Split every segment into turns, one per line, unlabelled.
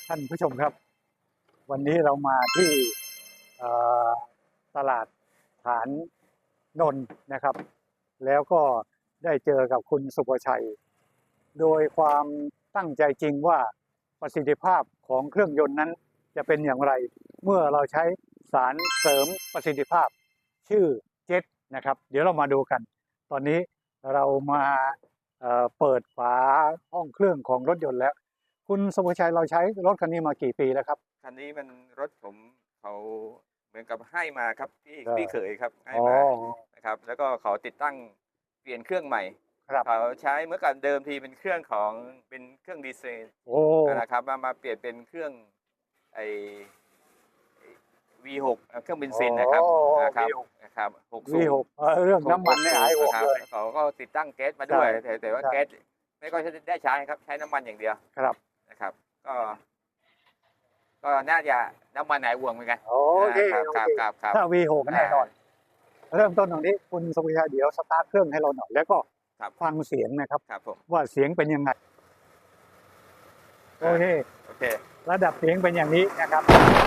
ท่านผู้ชมครับวันนี้เรามาที่เอ่อตลาดฐานนนท์นะครับแล้วก็ได้เจอกับคุณสุภชัยโดยความตั้งใจจริงว่าประสิทธิภาพของเครื่องยนต์นั้นจะเป็นอย่างไรเมื่อเราใช้สารเสริมประสิทธิภาพชื่อเจ็ตนะครับเดี๋ยวเรามาดูกันตอนนี้เรามาเปิดฝาห้องเครื่องของรถยนต์แล้วคุณสุภชัยเราใช้รถคันนี้มากี่ปีแล้วครับ
คันนี้มันรถผมเขาเหมือนกับให้มาครับพี่เขยครับให้
อ๋อ
มานะครับแล้วก็เขาติดตั้งเปลี่ยนเครื่องใหม่
ครับ
เขาใช้เมื่อก่อนเดิมทีเป็นเครื่องดีเซล
โอ้
นะครับมาเปลี่ยนเป็นเครื่องไอ V6 เครื่องเบนซินนะครับ
โอ้
นะครับ60
V6 เรื่องน้ำมันเนี่ยหายห่วง
ครับ
เลย
เขาก็ติดตั้งแก๊สมาด้วย
ใช่
แต่ว่า
ใช่
แก๊สไม่ก็ได้ใช้ครับใช้น้ำมันอย่างเดียว
ครับ
นะครับก็น่าจะน้ำมันหายห่วงเหมือนกัน
โอเค
ครับ
โอ
ครับ
เค
ครับครับ
ถ้า V6 แน่นอน เริ่มต้นตรงนี้คุณสุภชัยเดี๋ยวสตาร์ทเครื่องให้เราหน่อย แล้วก็
ครับ
ฟังเสียงนะครับ
ครับผม
ว่าเสียงเป็นยังไงโอเค
โอเค
ระดับเสียงเป็นอย่างนี้นะครับ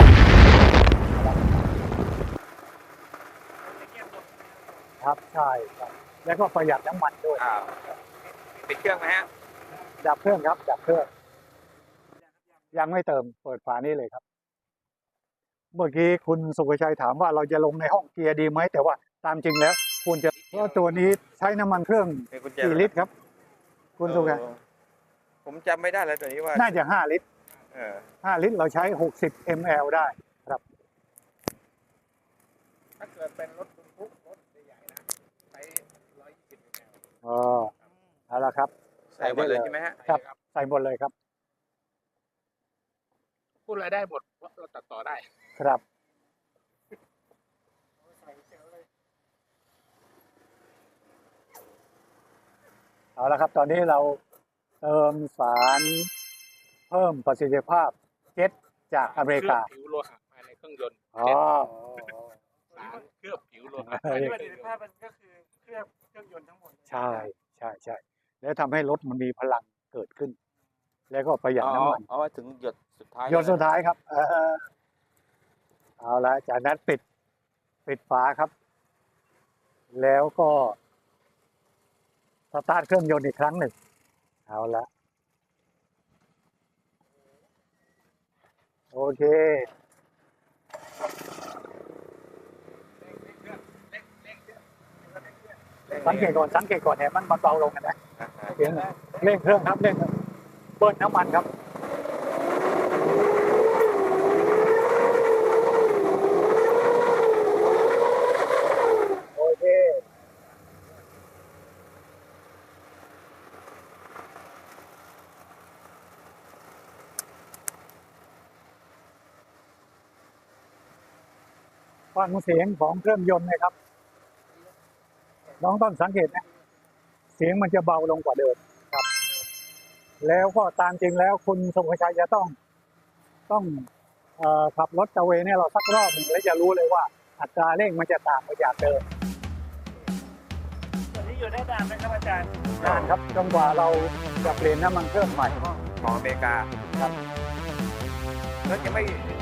ครับใช่ครับแล้วก็ประหยัดน้ำมันด้วย
ปิดเครื่องไหมฮะ
ดับเครื่องครับ ดับเครื่อง ยังไม่เติมเปิดฝานี้เลยครับ เมื่อกี้คุณสุภชัยถามว่าเราจะลงในห้องเกียร์ดีไหมแต่ว่าตามจริงแล้วควรจะเพราะตัวนี้ใช้น้ำมันเครื่อง
มีกุญแจ
กี่ลิตรครับ คุณสุภชัย
ผมจำไม่ได้แล้วตัวนี้ว่า
น่าจะ5 ลิตร
เออ
5 ลิตรเราใช้60 ml ได้ครับ
ถ้าเกิดเป็นรถบรรทุกรถใหญ่ๆนะใช้120 ml
อ๋อเอาละครับ
ใส่หมดเลยใช่ไหมฮะ
ครับ ใส่หมดเลยครับ
พูดอะไรได้หมดเพราะเราตัดต่อได้
ครับ
ใส่เซลเลย
เอาละครับ ตอนนี้เราเติมสารเพิ่มประสิทธิภาพเจ็ตจากอเมริกา
เคลือบผิวโลหะภายในเครื่องยนต์
อ๋อ
สารเคลือบผิวโลหะ
เฮ้ย
ประสิทธิภาพมันก็คือเคลือบเครื่องยนต์ทั้งหมด
ใช่ใช่ใช่แล้วทำให้รถมันมีพลังเกิดขึ้น แล้วก็ประหยัดน้ำมัน
เอาถึงหยดสุดท้าย
หยดสุดท้ายครับเอาละจากนั้นปิดฝาครับ แล้วก็สตาร์ทเครื่องยนต์อีกครั้งหนึ่งเอาละโอเคสังเกตก่อนเนี่ยมันเบาลงกันนะเสียงเร่งเครื่องครับเร่งเบิ้ลน้ำมันครับโอเคฟังเสียงของเครื่องยนต์นะครับน้องต้องสังเกตนะเสียงมันจะเบาลงกว่าเดิมครับ แล้วก็ตามจริงแล้วคุณสมชัยจะต้องขับรถตระเวนเนี่ยเราสักรอบหนึ่งแล้วจะรู้เลยว่าอัตราเร่งมันจะต่างไปจากเดิม
ตอนนี้อยู่ได้นานไหมครับอาจารย์
นานครับจนกว่าเราจะเปลี่ยนน้ำมันเครื่องใหม่
ของอเมริกา
ครับ
รถยังไม่